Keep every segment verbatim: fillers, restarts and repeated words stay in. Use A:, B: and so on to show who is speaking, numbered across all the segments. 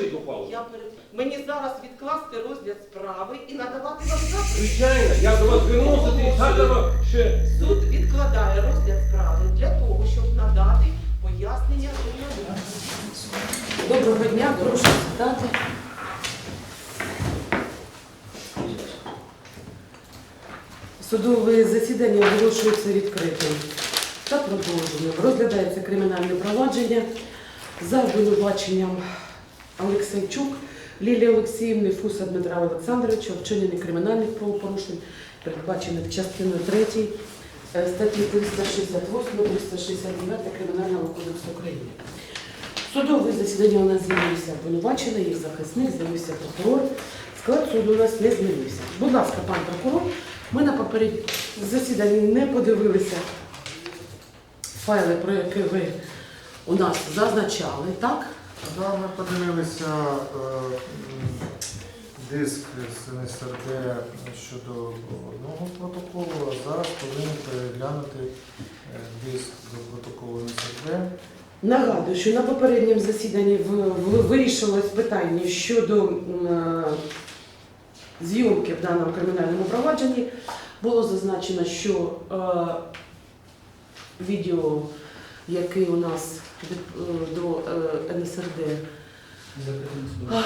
A: покажіть ухвалу.
B: Я перед... Мені зараз відкласти розгляд справи і надавати вам запит.
A: Звичайно, я до вас звернувся, ти згадував ще.
B: Суд відкладає розгляд справи для того, щоб надати пояснення журналістам.
C: Доброго дня, прошу сідати. Судове засідання оголошується відкритим та продовженим. Розглядається кримінальне провадження за обвинуваченням Олексійчук Лілії Олексіївни, Фуса Дмитра Олександровича у вчиненні кримінальних правопорушень, передбачених частиною третьою статті триста шістдесят восьма - триста шістдесят дев'ята Кримінального кодексу України. Судове засідання у нас з'явився обвинувачений, їх захисник, з'явився прокурор. Склад суду у нас не змінився. Будь ласка, пан прокурор, ми на попередньому засіданні не подивилися файли, про які ви у нас зазначали, так?
D: Да, ми подивилися е, диск з ен ес ер де щодо одного протоколу, а зараз повинні переглянути е, диск до протоколу ен ес ер де.
C: Нагадую, що на попередньому засіданні в- в- вирішилось питання щодо е, зйомки в даному кримінальному провадженні. Було зазначено, що е, відео, яке у нас від, е, до е, ен ес ер де, а,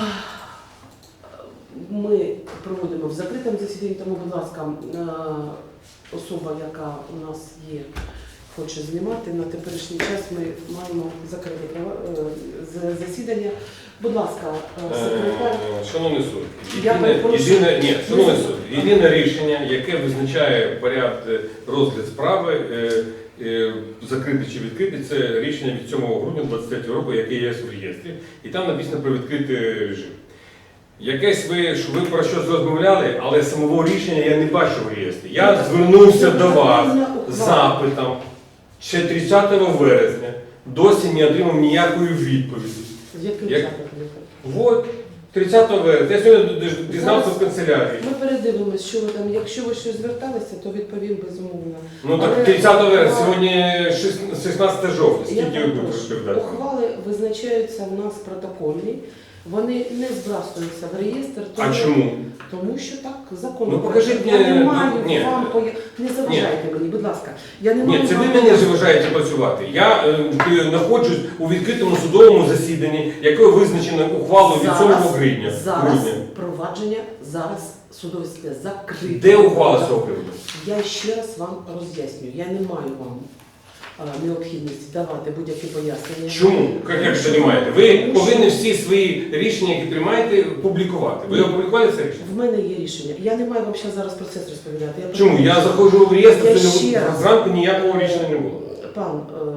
C: ми проводимо в закритому засіданні, тому, будь ласка, е, особа, яка у нас є, хоче знімати, на теперішній час ми маємо закрити права- е, з- засідання. Будь ласка, е, секретар.
A: Е, Шановний суд,
C: Я
A: єдине,
C: перепрошую.
A: єдине, ні, шановний суд, єдине рішення, яке визначає порядок розгляд справи, е, е, закритий чи відкритий, це рішення від сьомого грудня двадцять третього року, яке є в реєстрі, і там написано про відкритий режим. Якесь ви, що ви про щось розмовляли, але самого рішення я не бачу в реєстрі. Я звернувся до вас з запитом ще тридцятого вересня, досі не отримав ніякої відповіді.
C: Яким
A: Як-
C: запитом?
A: Вот, тридцятого вересня. Я сьогодні дізнався в канцелярії.
C: Ми передивимось, що ви там. Якщо ви щось зверталися, то відповім безумовно.
A: Ну так
C: Але-
A: тридцятого вересня, сьогодні шістнадцяте жовтня.
C: Я
A: Скільки ви будете
C: перепрошую.
A: розповідати?
C: Ухвали визначаються у нас протокольні, вони не збрасуються в реєстр,
A: А
C: тому,
A: чому?
C: тому що так закон.
A: Ну, покажіть
C: Я не
A: мені-
C: маю
A: ні.
C: вам поя- не заважайте мені, будь ласка. Я не
A: Ні,
C: маю
A: це ви
C: вам-
A: мене заважаєте працювати. Я е, знаходжусь у відкритому судовому засіданні, яке визначено ухвалою від сьомого грудня.
C: зараз
A: грудня.
C: провадження, зараз судове засідання закрите.
A: Де ухвала з цього приводу?
C: Я ще раз вам роз'яснюю, я не маю вам а, необхідності давати будь-які пояснення.
A: Чому? Як, як це не маєте? Ви повинні всі свої рішення, які приймаєте, публікувати. Ви опублікували це рішення?
C: В мене є рішення. Я не маю вам ще зараз процес розповідати. Я
A: Чому? Я заходжу в реєстр,
C: Я
A: це не-
C: ще раз.
A: зранку ніякого рішення не було.
C: Пан е,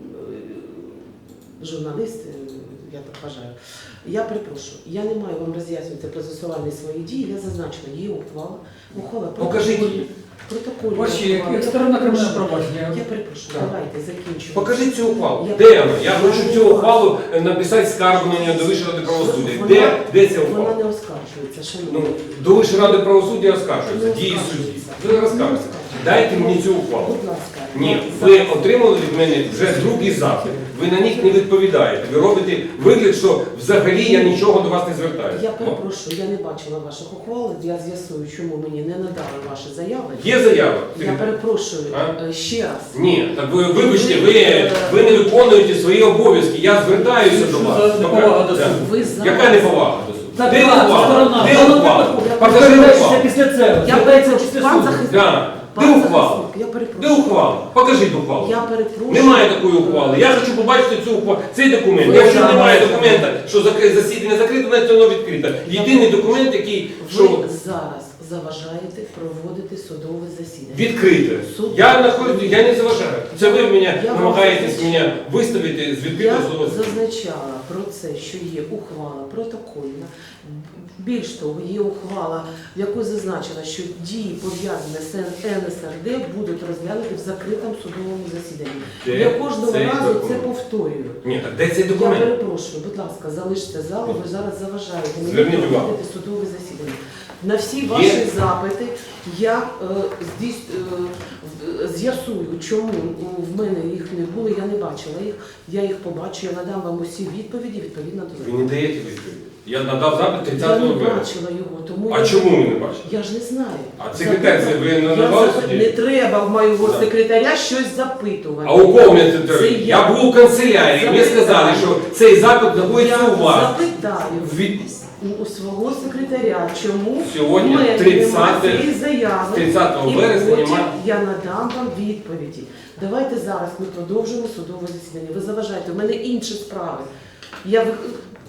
C: журналіст, е, я так вважаю, я перепрошую, я не маю вам роз'яснювати процесуальні свої дії, я зазначила, є ухвала. Ухвала
A: Покажіть
C: протокольна.
A: її.
C: Протокольна
E: Ваші,
C: ухвала.
E: як
C: Я
E: сторона
C: перепрошую.
E: кримінального провадження.
C: Я перепрошую,
A: Так.
C: давайте закінчуємо.
A: Покажіть цю ухвалу.
C: Я-
A: Де вона? Я хочу цю ухвалу е, написати скаргу на нього до Вищої ради правосуддя.
C: Вона-
A: Де, де ця
C: Вона
A: ухвала?
C: не оскаржується, шановні.
A: Ну, до Вищої ради правосуддя
C: Не
A: оскаржується, дії судді.
C: оскаржується.
A: Ви
C: Не
A: розкажете.
C: оскаржується.
A: Дайте мені цю ухвалу.
C: Будь ласка.
A: Ні,
C: Я
A: ви
C: зараз-
A: отримали від мене вже другий запит. Ви на них не відповідаєте. Ви робите вигляд, що взагалі я нічого до вас не звертаюся.
C: Я перепрошую, я не бачила ваших ухвал, я з'ясую, чому мені не надали ваші заяви.
A: Є заява?
C: Я перепрошую
A: А?
C: е, ще раз.
A: Ні, так ви вибачте, ви, ви не виконуєте свої обов'язки. Я звертаюся до вас.
E: Що за неповага до
A: Так.
E: суду?
C: Ви зараз...
A: Яка неповага до суду?
E: Так,
A: Де
E: так,
A: ухвала?
E: сторона.
A: Де
E: Сторона
A: ухвала?
E: випадку.
A: Покажи
E: Розглядається
A: ухвалу.
E: після цього.
C: Я
E: Розглядається
C: перепрошую,
E: після
C: пан
E: суду.
C: захисник.
A: Да. Де
C: Пан
A: ухвала?
C: захисник, я
A: Де
C: перепрошую.
A: ухвала? Покажіть ухвалу.
C: Я перепрошую.
A: Немає такої ухвали. Я хочу побачити цю ухвалу. Цей документ.
C: Ви
A: Якщо
C: зараз-
A: немає документа, що закри- засідання закрите, значить воно відкрите. Єдиний документ, який що
C: Ви зараз заважаєте проводити судове засідання.
A: відкрите.
C: Суд-
A: Я знаходжу, я не заважаю. Це ви мене
C: Я вам
A: намагаєтесь
C: зазначаю.
A: мене виставити з
C: Я
A: відкритого судового засідання.
C: зазначала про це, що є ухвала протокольна. Більш того, є ухвала, в якій зазначено, що дії, пов'язані з ен ес ер де, будуть розглянуті в закритому судовому засіданні.
A: Де
C: Я кожного
A: цей
C: разу це
A: документ?
C: повторюю.
A: Ні, так де цей
C: Я
A: документ?
C: перепрошую, будь ласка, залиште залу, ви зараз заважаєте мені
A: Зверніть увагу.
C: проводити судове засідання. На всі ваші
A: Є.
C: запити я е, здійс- е, в- з'ясую, чому в мене їх не було, я не бачила їх, я їх побачу, я надам вам усі відповіді відповідно до
A: Ви
C: закону.
A: не даєте відповіді. Я надав запит
C: Я
A: тридцятого
C: не
A: вересня.
C: бачила його, тому
A: А
C: я...
A: чому ви не бачите?
C: Я ж не знаю.
A: А секретар, це ви надавали
C: Я
A: суді?
C: Не треба в моєго
A: Да.
C: секретаря щось запитувати.
A: А у кого мене
C: Це
A: це?
C: я.
A: Я був у канцелярії, мені
C: Запитаю.
A: сказали, що цей запит знаходиться
C: Я
A: у вас.
C: запитаю
A: Від
C: у свого секретаря, чому
A: Сьогодні
C: в мене
A: тридцятого
C: немає цієї заяви.
A: тридцятого
C: І
A: вересня
C: потім
A: немає.
C: я надам вам відповіді. Давайте зараз ми продовжимо судове засідання. Ви заважаєте, у мене інші справи. Я ви...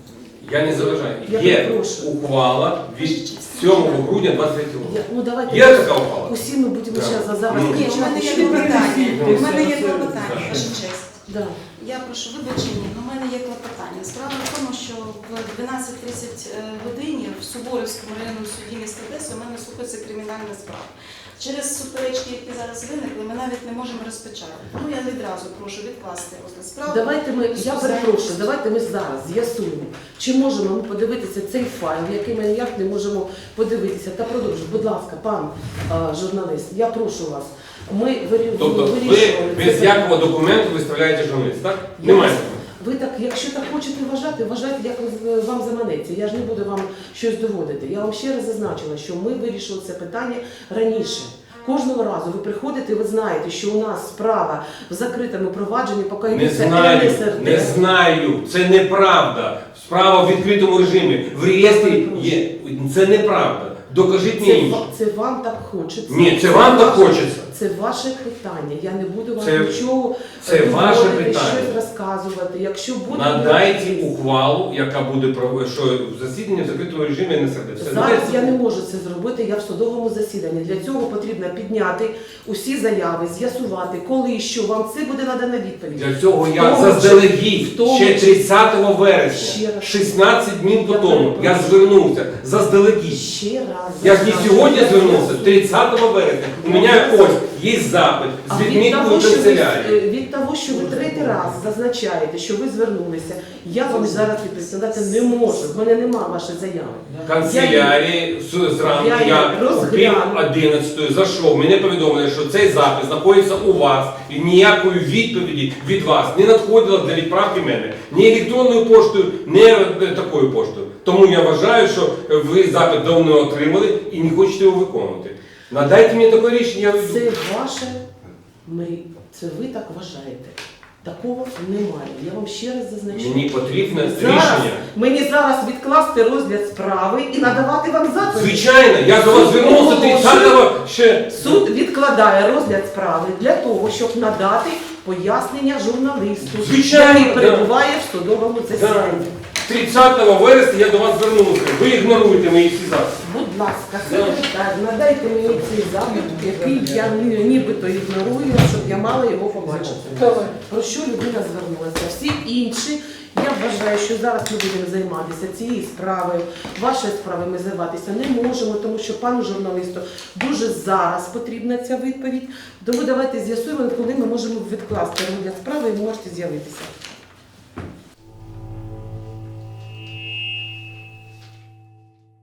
A: Я не заважаю.
C: Я
A: Є
C: перепрошую.
A: ухвала від сьомого грудня двадцять третього року.
C: Я... Ну, давайте
A: Є така ухвала?
C: усі ми будемо
A: Да.
C: зараз зараз
A: Ну.
E: Ні, у мене є
C: кричати, що ви
E: клопотання.
C: пересвідчуєте.
E: У мене є
A: Це-
E: клопотання,
A: це-
E: ваша честь.
C: Да.
E: Я прошу вибачення, але в мене є клопотання. Справа в тому, що в дванадцять тридцять годині в Суворівському районному суді міста Одеси у мене слухається кримінальна справа. Через суперечки, які зараз виникли, ми навіть не можемо розпочати. Тому я відразу прошу відкласти розгляд справи.
C: Давайте ми, я перепрошую, давайте ми зараз з'ясуємо, чи можемо ми подивитися цей файл, який ми ніяк не можемо подивитися. Та продовжуй, будь ласка, пан а, журналіст, я прошу вас. Ми вирі-
A: Тобто ви
C: вирішували це
A: без
C: питання.
A: якого документу виставляєте журналіст, так?
C: Я
A: Немає.
C: вас- Ви так, якщо так хочете вважати, вважайте, як ви- вам заманеться. Я ж не буду вам щось доводити. Я вам ще раз зазначила, що ми вирішили це питання раніше. Кожного разу ви приходите, ви знаєте, що у нас справа в закритому провадженні, поки
A: Не
C: йдеться
A: знаю,
C: Н С Р Д.
A: не знаю. Це неправда. Справа в відкритому режимі. В реєстрі є. Це неправда. Докажіть
C: Це,
A: мені інше.
C: ва- це вам так хочеться.
A: Ні, це вам так
C: ваше-
A: хочеться.
C: Це ваше питання. Я не буду вам
A: Це-
C: нічого
A: це
C: е,
A: ваше
C: доводити,
A: питання.
C: щось розказувати. Якщо буде
A: Надайте
C: можливість.
A: ухвалу, яка буде пров- що засідання в закритому режимі Н С Р Д. Все,
C: Зараз
A: надайте.
C: я не можу це зробити, я в судовому засіданні. Для цього потрібно підняти усі заяви, з'ясувати, коли і що вам це буде надана відповідь.
A: Для цього я
C: В тому
A: заздалегідь
C: в тому
A: ще
C: числі-
A: тридцятого вересня,
C: Ще раз.
A: шістнадцять днів по
C: Я
A: тому, я
C: перепрошую.
A: звернувся заздалегідь.
C: Ще раз.
A: Я ж не
C: зараз.
A: сьогодні звернувся, тридцятого вересня. У мене ось є запит
C: А
A: з
C: від
A: відміткою
C: того, що ви,
A: канцелярії.
C: е, від того, що ви третій раз зазначаєте, що ви звернулися, я вам зараз відповідати не можу. В мене нема вашої заяви.
A: Канцелярії з- зранку
C: Я її
A: я о пів
C: розгляну.
A: одинадцятої зайшов. Мене повідомили, що цей запис знаходиться у вас і ніякої відповіді від вас не надходило для відправки мене. Ні електронною поштою, ні е, такою поштою. Тому я вважаю, що ви запит давно отримали і не хочете його виконувати. Надайте мені таке рішення, я
C: Це
A: веду.
C: ваше мрі. Це ви так вважаєте. Такого немає. Я вам ще раз зазначаю.
A: Мені потрібне
C: Зараз,
A: рішення.
C: мені зараз відкласти розгляд справи і надавати вам запит.
A: Звичайно, я до вас звернувся тридцятого ще.
C: Суд відкладає розгляд справи для того, щоб надати пояснення журналісту,
A: Звичайно,
C: який
A: да.
C: перебуває в судовому засіданні.
A: тридцятого вересня я до вас звернувся. Ви ігноруєте мої всі записи.
C: Будь ласка, секретар, надайте мені цей запит, який я ні- нібито ігнорую, щоб я мала його побачити. Про що людина звернулася? Всі інші, я вважаю, що зараз ми будемо займатися цією справою. Вашою справою ми займатися не можемо, тому що пану журналісту дуже зараз потрібна ця відповідь. Тому давайте з'ясуємо, коли ми можемо відкласти розгляд справи і ви можете з'явитися.